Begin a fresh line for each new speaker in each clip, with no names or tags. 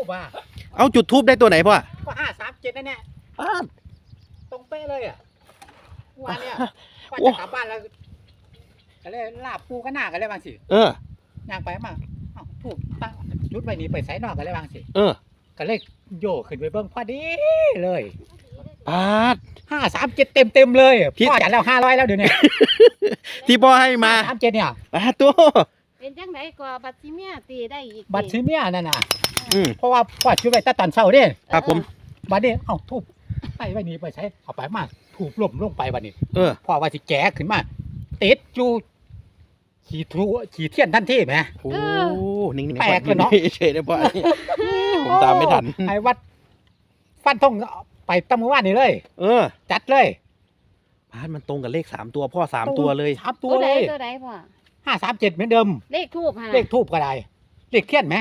บ้า
เอาจุดทูบได้ตัวไหนพ่อ
ก็537นั่นแหละตรงเป๊ะเลยอ่ะวันเนี้ยว่าจะกลับบ้านแล้วก็เลยลาบปูก็หน้ากันเลยบางสิย่างไปมาถูกตั้งจุดไว้นี่ไปใส่นอกกันเลยบางสิก็เลยโยกขึ้นไปเบิ้งพอดีเลย
ปาด
537เต็มเลยพ่อจัดแล้ว500แล้วเดี๋ยวนี้
ที่พ่อให้มา
537เนี่ย
ตัว
เป็นจังไดก็บัตรซิเมียตีได้อีก
บัตรซิเมียนั่นน่ะเพราะว่าพ่อจุดไว้แต่ตอนเช้าเด้
ครับผม
บัดนี้ทุบไปไว้นี่ไปใช้เอาไปมาถูกล่มลงไปบัดนี้พ่อว่าสิแก่ขึ้นมาติดอยู่ขี่เทียนทันทีไหม
โอ้นิ่งๆ
แปลกเลยเนาะ
เฉยๆนะพ่อผมตามไม่ทัน
ไอ้วัดฟันทงไปตั้งเมื่อวานนี่เลยจัดเลย
พาดมันตรงกับเลข3ตัวพ่อ3ตัวเลย
3ตัวเลย
ตัวไหนพ่อ
537เหมือนเดิม
เลขทูบฮะ
เลขทูบก็ได้เลขเทียนไหม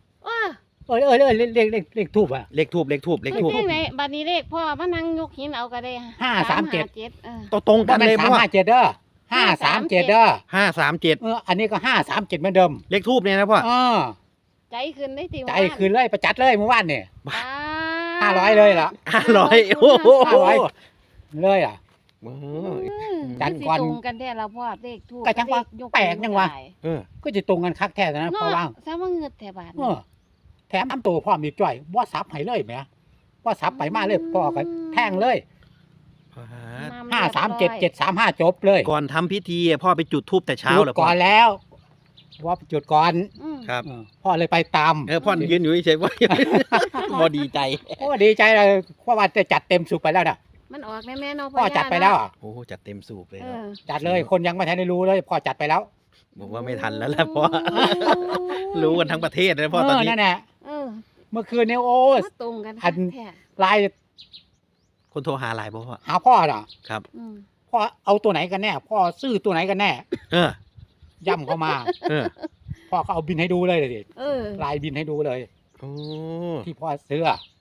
เลขทูบอะ
เลขทูบ
ไหนบัดนี้เลขพ่อมานั่งยกหินเอาก็ได้
ตรงกันเลยพ่อ537เด้อ537เด้อ
537
อันนี้ก็537เหมือนเดิม
เลขทูบเนี่ยนะพ่อ
ใจขึ้นได้ติ
ใจขึ้นเลยประจัดเลยเมื่อวานเนี่ย500เลยล่ะ
500โอ้โห
เลยอ่ะ
จันก่อนตรงกันแท้เราพ่อเลขทูบ
ก็จังว่าแปลกจังวะก็จะตรงกันคักแท้นะพ่อว่าง
ซะว่าเงือดแถบาท
แถมน้ำตัวพ่อมีจ่อยว่าซับให้เลยไหมว่าซับไปมาเลยพ่อก็แทงเลย537 735จบเลย
ก่อนทำพิธีพ่อไปจุดธูปแต่เช้าเหรอ
ก่อนแล้วว่าจุดก่อน
ครับ
พ่อเลยไปตาม
พ่อยืนอยู่เฉยๆว่าพ่อดีใจ
ดีใจเลยเพราะว่าจะจัดเต็มสูบไปแล้วนะ
มันออกแม่ๆเนาะ
พ่อจัดไปแล้ว
โอ้จัดเต็มสูบเลย
จัดเลยคนยังไม่ทันได้รู้เลยพ่อจัดไปแล้ว
บอกว่าไม่ทันแล้วแหละพ่อรู้กันทั้งประเทศเลยพ่อตอนนี้
นั่นแหละเมื่อคืนเนี่ยโอ้
ตรงกัน
ไลน์
คนโทรหาไลน์พ่อ
หาพ่อเหรอ
ครับ
พ่อเอาตัวไหนกันแน่พ่อซื้อตัวไหนกันแน่ย่ำเข้ามาพ่อก็เอาบินให้ดูเลยดิไลน์บินให้ดูเลยที่พ่อซื้อ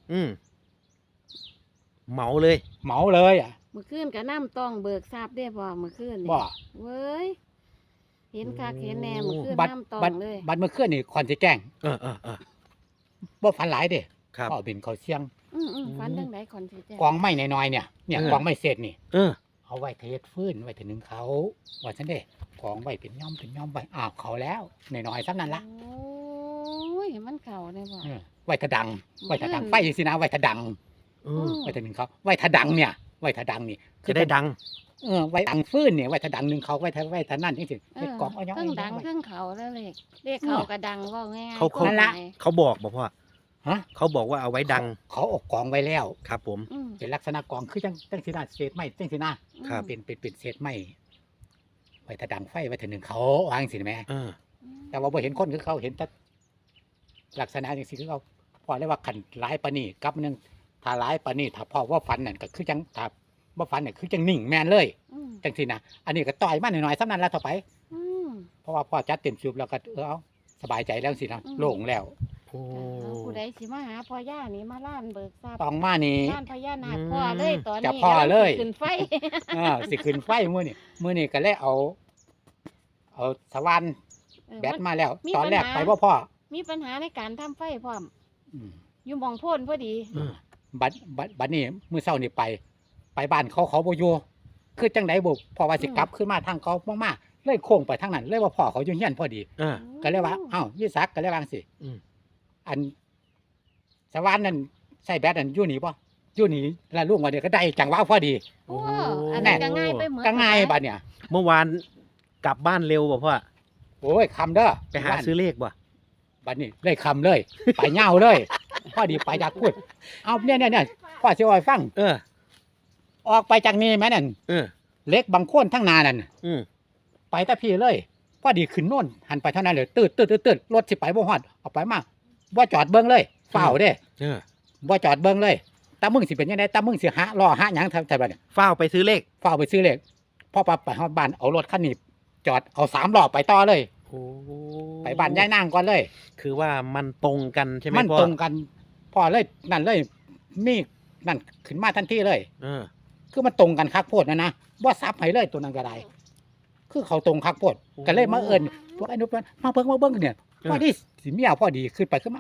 เหมาเลย
อ่ะ
เมื่อคืนกับน้ำต้องเบิกทราบได้พ่อเมื่อคืน
บ่
เว้ยเห็นคักเห็นแน่เมื่อคืนน้ำต้องเลย
บัดเมื่อคืนนี่คอนสิแจ้งบ่ฝันหลายเด้พ่อบินเขาเชียง
ฝันจังไดคอนสิแจ้ง
กองไม้น้อยๆเนี่ยกองไม้เศษนี่เอาไว้เทฟื้นไว้ถึงนึงเขาว่าฉันเด้กองไว้เป็นย่อมไว้เขาแล้วน้อยๆซ้ำนั่นละ
โอ้ยมันเข่าได้บ่
ไว้ถดังไฟสินะไว้ถดังไว้ถึงนึงเขาไว้ถดังเนี่ยไว้ถดังนี่
จะได้ดัง
ไว้ดังฟื้นเนี่ยไว้ถดังนึงเขาไว้ถนั่นจริงๆกองเอาย่อม
เครื่องดังเครื่องเขาแล้วเลขเขากระดังว่าง่าย
เขาบอกว่าเขาบอกว่าเอาไว้ดัง
เขาออกกองไว้แล้ว
ครับผม
เป็นลักษณะกองคือจังสีหน้าเศษไม้จังสีหน้าเป็นเศษไม้ไว้ถดังไฟไว้ถึงนึงเขาวางสิแม่แต่ว่าพอเห็นคนคือเขาเห็นแต่ลักษณะอย่างสิคือเขาพอเรียกว่าขันร้ายปนีกับนึงถ้าร้ายปนีถ้าพ่อว่าฟันนั่นก็คือจังถ้าว่าฟันเนี่ยคือจังนิ่งแมนเลยจังสินะอันนี้ก็ต่อยมาหน่อยๆสักนั้นแล้วต่อไปเพราะว่าพ่อจัดเต็มสูบแล้วก็เอาสบายใจแล้วสินะโล่งแล้ว
ผู้ใดสิมาหาพ่อย่านี่มาล้านเบิกทราบ
ต้องมานี่
ล้านพญานาคพ่อเลยตอนนี้
จะพ่อเลย
ขึ้นไฟ
สิขึ้นไฟมื้อนี่ก็เลยเอาสว่านแบตมาแล้วตอนแรกไปว่าพ่อ
มีปัญหาในการทำไฟพร้อมอยู่มองพ่นพอดี
บัดนี้มื้อเช้านี่ไปบ้านเขาบ่อยู่คือจังได๋บ่พ่อว่าสิกลับขึ้นมาทางเขามากๆเลยโค้งไปทางนั้นเลยว่าพ่อเขาอยู่เฮียนพอดีก็เลยว่าวิศักก็เลยว่าจังซี่อันสว่านนั่นใส่แบตนั่นอยู่นี่ป่ะอยู่นี่แล้วลุงว่าเดี๋ยวก็ได้จังว่าพอดี
อันนั้นก็ง่ายไปเหมือน
ก็ง่ายบัดเนี่ย
เมื่อวานกลับบ้านเร็วป่ะพ่อ
โอ้ยคำเด้อ
ไปหาซื้อเลขป่ะ
บัดนี้เลยคำเลยไปเง่าเลยพอดีไปจากพูดเอาเนี่ยพ่อเสียอ้อยฟังออกไปจากนี่ไหมนั่นเล็กบางโคนทั้งนานั่นไปแต่พี่เลยพอดีขึ้นโน่นหันไปเท่านั้นเลยตืดรถสิไปบ่ฮอดเอาไปมาบ่จอดเบิ้งเลยเฝ้าเด้บ่จอดเบิ้งเลยตามึงสิเป็นยังไงตามึงสิรอหาหยังทำแบบนี้
เฝ้าไปซื้อเลข
พ่อไปฮอดบ้านเอารถคันนี้จอดเอา3 ล้อไปต่อเลยไปบ้านยายนางก่อนเลย
คือว่ามันตรงกันใช่ไหมพ่อ
มันตรงกันพ่อเลยนั่นเลยมีนั่นขึ้นมาทันทีเลยคือมันตรงกันคักโพดนะว่าซับให้เลยตัวนั้นก็ได้คือเขาตรงคักโพดก็เลยมาเอิญพวกไอ้นุ๊กมาเบิ้งเนี่ยพอดีสิเมียพอดีขึ้นไปขึ้นมาท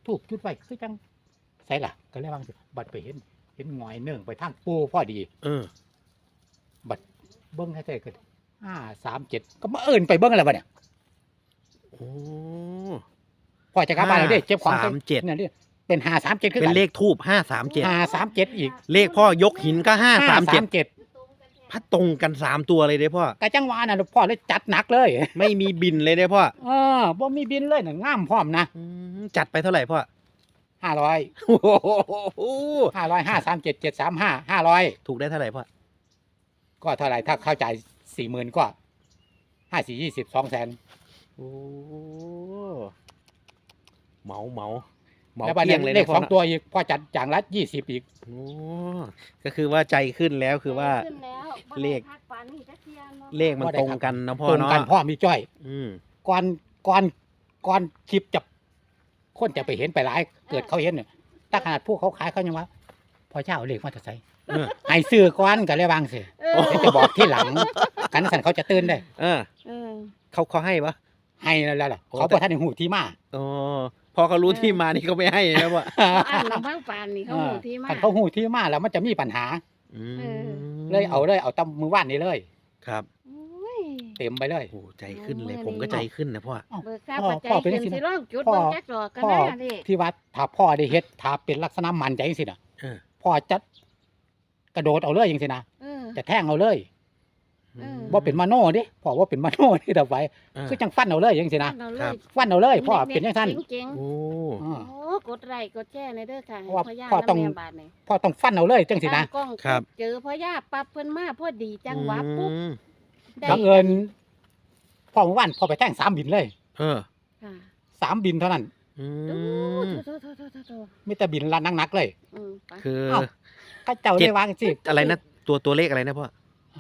ทูบจุดไว้คือจังใส่ล่ะก็เลยว่าสิบัดไปเห็นหงอยเนื่องไปทางปูพอดี บัดเบิ้งให้ใจเกิด537ก็มาเอิ้นไปเบิ้งอะไรบัดเนี่ย
โอ้
พอจะกลับบ้านแล้วเด้เจ็บของ
37
เนี่ยเด้เป็น537คือ
เป็น
กัน
เลขทูบ537
537อีก
เลขพ่อยกหินก็537
537
พัดตรงกัน3ตัวเลยเด้พ่อ
ก็จังหวะน่ะพ่อเลยจัดหนักเลย
ไม่มีบินเลยเด้พ่อ
บ่มีบินเลยน่ะงามพร้อมนะ
จัดไปเท่าไหร่พ่อ
500
โอ้โห
500 537 735 500
ถูกได้เท่าไหร่พ่อ
ก็เท่าไหร่ถ้าเข้าจ่าย 40,000 ก็5 4 20 200,000
โอ้เหมา
แล้วบัด
เกลี้
นี้
ยงเลย
เล
นะ
ข
พ่อ
สอง
นะ
ตัวอีกพ่อจัดอย่างละ20อีก
โอ้ก็คือว่าใจขึ้นแล้วคือว่า
ขึ้นแล้วบ่
เลข
ได้พักปานนี้จักเที่ยนาะ
เลขมันตรงกันนะพ่อ
ตรง
เนาะ
กันพ่อมีจ้อย
อืม
ก่อนคลิปจะคนจะไปเห็นไปหลายเกิดเขาเห็นเนี่ยถ้าขนาดผู้เขาขายเขายังว่าพ่อเจ้าเอาเลขมาจะใส่
เออ
ให้ซื้อก่อนก็เลยบางสิ
เออ
เดี๋ยวจะบอกที่หลังกันสั่นเขาจะตื่นได้
เออ
เออ
เขาให้ปะ
ให้แล้วล่ะ
โอ้
เขาประทานในหูที่มา
อ๋อพอเขารู้ที่มานี่เขาไม่ให้นะพ่อ
อ่านลำพังปานนี่เขาหูที่มา
คันเขาหูที่มาแล้วมันจะมีปัญหา
อืม
เออ
เลยเอาตำมือว่านนี้เลย
ครับ
โอ้ย
เต็มไปเลย
โอ้ใจขึ้นเลย
โอ้ย
ผมก็ใจขึ้นนะพ่อ
เบิกค่า
พ่อ
ปัจจัย
พ่อเป็น
ขึ้น
จังซี่
สิ
นะ
ร้องจุด
พ่อ
เบิ่งจักดอกกัน
พ่อ
นะเด็ก
ที่วัดถ้าพ่อได้เฮ็ดถ้าเป็นลักษณะมันใจจังซี่น่ะ
เออ
พ่อจะกระโดดเอาเลยจังซี่นะ
เออ
จะแทงเอาเลย
เออ
บ่เป็นมโนเด้พ่อว่าเป็นมโนนี่ต่อไป คือจังฟันเอาเลยจังซี่นะ
เอาเล
ครั
ย
บ
ฟันเอาเลยพ่อเป็นจังซั่น
เจ๋ง
โอ้
อ่า
ๆโอ้กดไลค์กดแชร์ในเด้อค่ะ
เพราะว่า
ให้พ่อย่า
พ่อต้อง
น้ำแม่บาทนี่
พ่อต้องฟันเอาเลยจังซี่นะ
ตั้งกล้อง
ครับ
เจอพ่อย่าปั๊บเพิ่นมาพอดีจังหวะปุ๊บ
อืม
ได้
บังเอิญพ่อเมื่อวานพ่อไปแทง3บินเลย
เออ
ค่ะ
3บินเท่านั้น
อื
โอ้
ม
โถ
มีแต่บินละนักๆเลย
ไป
คือ
อ้าว ก็เจ้าได้วางสิ
อะไรนะตัวเลขอะไรนะพ่อ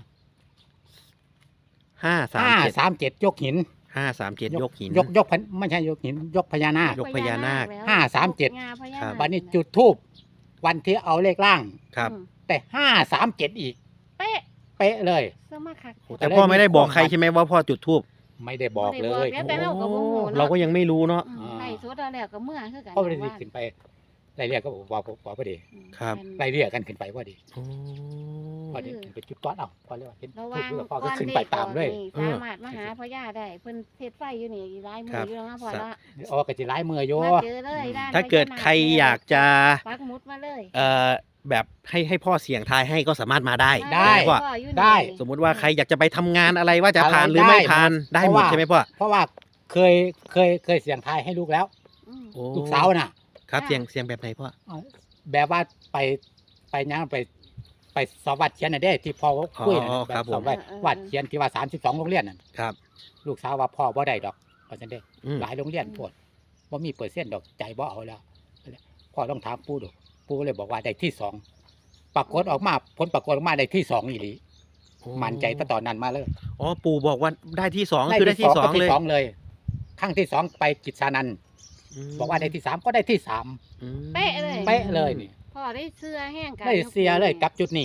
537
537ยกหิน
537ยกหิน
ยกพันไม่ใช่ยกหิน ยกพญานาค
ยกพญานาค
แล้ว
537
งาพญา
ครั
นา
บ
ค
วันนี้จุดทูบวันที่เอาเลขล่าง
ครับ
แต่537อีก
เป๊ะ
เป๊ะเลย
สมาคัก
แต่พ่อไม่ได้บอกใครใช่ไหมว่าพ่อจุดทูบ
ไม่ได้บอกเลย
แต่เราก็บ่ฮู้เนาะ
เราก็ยังไม่รู้เนาะ
ไล่สดเอาแล้วก็เมื่อคือกัน
เพราะไม่ได้ขึ้นไปไล่เรียกก็บอกพอดี
ครับ
ไล่เรียกกันขึ้นไปพอดี
โอ้
พอดีขึ้นไปจุดต้อนเอาพอเลยว่าเห็น
ระ
ทู
วั
บ
ง
แล้วพ่อก็ขึ้นไปตามเลย
สามารถมาหาพ่อย่าได้เพิ่นเทศไฟอยู่นี่หลายมืออยู่แล้วนะพ่อละ
อ๋อกระจิร้ายมือโย
มาเจอเลยด้าน
ถ้าเกิดใครอยากจะ
ปักหมุดมาเลย
แบบให้พ่อเสี่ยงทายให้ก็สามารถมาได้
ได้
ใช่ไหมพ่อ
พ่ออยู่นี่
ได้
สมมุติว่าใครอยากจะไปทำงานอะไรว่าจะผ่าน
อะไร
หรือไม่
ได้
ผ่านได้หมด
เพราะว่า
ใช่ไหมพ่อ
เพราะว่าเคยเสียงทายให้ลูกแล้ว
อืม
โอ้
ลูกสาวน่ะ
ครับเสี่ยงแบบไหนพ่อ
แบบว่าไปยังไปสอบวัดเขียนน่ะเด้ที่พ่อคุยน่ะ
อ๋อครับ
แบบสอบ
ผม
วัดเขียนที่ว่า32โรงเรียนน่ะ
ครับ
ลูกสาวว่าพ่อบ่ได้ดอกเพราะฉะนั้นเด้
อืม
หลายโรงเรียนปวดบ่มีเปอร์เซ็นต์ดอกใจบ่เอาแล้วพ่อต้องถามปู่ดูปู่เลยบอกว่าได้ที่สองปรากฏออกมาผลปรากฏออกมาได้ที่สองอีหลีมั่นใจตั้งตอนนั้นมาเลย
อ๋อปู่บอกว่าได้ที่สองคือได้ที่สอง
ก็
เลย
สองเลยครั้งที่สองไปกิจสานันท์บอกว่าได้ที่สามก็ได้ที่สาม
อืม
เป๊ะเลย
เป๊ะเลยนี่
พ่อได้เสื้อแห้งกัน
ได้เสียเลยกับจุดนี้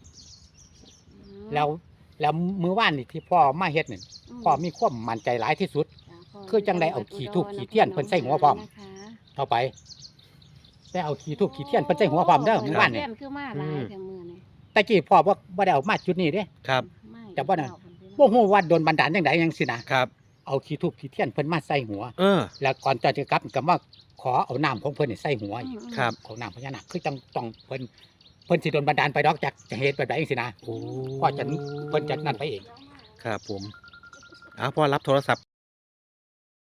แล้วมือว่านนี่ที่พ่อมาเฮ็ดนี่พ่อมีความมั่นใจหลายที่สุด คือจังได้เอาขี้ธูปขี้เทียนเพิ่นใส่หัวพร้อม เข้าไปได้เอาขี้ทูบขี้เทียนเพิ่นใส่หัวพร้อมเด้อมือว่านนี่
คือมาหลายแต่มือนี่
แต่กี้พ่อบ่ได้เอามาจุดนี้เด้
ครับ
ไม่
แต่ว่าน่ะ บ่ฮู้ว่าโดนบันดาลจังไดจังซี่นะครับ เอาขี้ทูบขี้เทียนเพิ่นมาใส่หัว
เออ
แล้วก่อนจะกลับก็มาขอเอาน้ำของเพิ่นนี่ใส่หัวอีก
ครับ
ของน้ำพญานาคคือต้องเพิ่นสิโดนบันดาลไปดอกจากจะเหตุแบบใดจังซี่นะ
โอ้
พ่อจะเพิ่นจะนั่นไปเอง
ครับผมพ่อรับโทรศัพท์